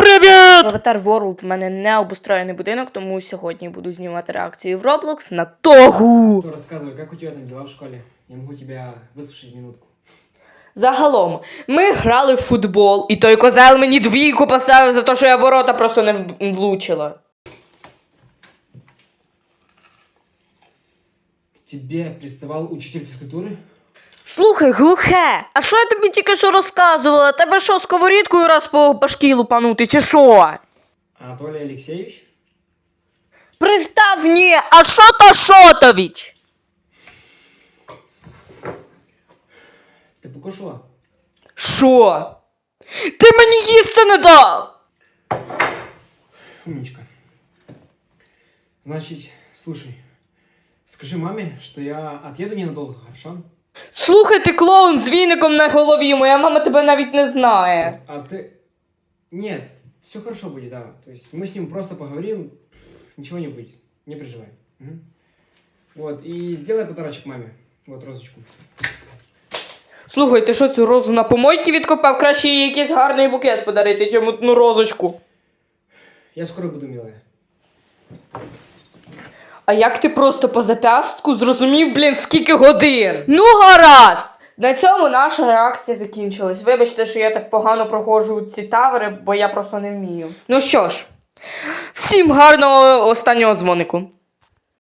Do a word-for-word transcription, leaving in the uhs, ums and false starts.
привіт! Avatar World в мене не обустроєний будинок, тому сьогодні буду знімати реакцію в Roblox на Тогу. Рассказывай, как у тебя там дела в школе? Я могу тебя выслушать минутку. Загалом, ми грали в футбол, і той козел мені двійку поставив за те, що я ворота просто не в- влучила. К тебе приставал учитель физкультуры? Слухай, глухе, а що я тобі тільки що розказувала? Тебе що, сковорідкою раз по башки лупанути, чи що? Анатолий Алексеевич? Пристав, ні, а що то Шотович? Ты покушала? Що? Ти мені їсти не дав! Умничка. Значит, слушай, скажи маме, что я отъеду ненадолго, хорошо? Слухай, ти клоун з віником на голові, моя мама тебе навіть не знає. А ты... Нет, все хорошо будет, да. То есть мы с ним просто поговорим, ничего не будет, не переживай. Мгм. Вот, и сделай подарочек маме. Вот, розочку. Слухай, ти що цю розу на помойці відкопав? Краще їй якийсь гарний букет подарити, чим одну розочку. Я скоро буду, милая. А як ти просто по запястку зрозумів, блін, скільки годин? Ну, гаразд! На цьому наша реакція закінчилась. Вибачте, що я так погано проходжу ці тавери, бо я просто не вмію. Ну що ж, всім гарного останнього дзвонику.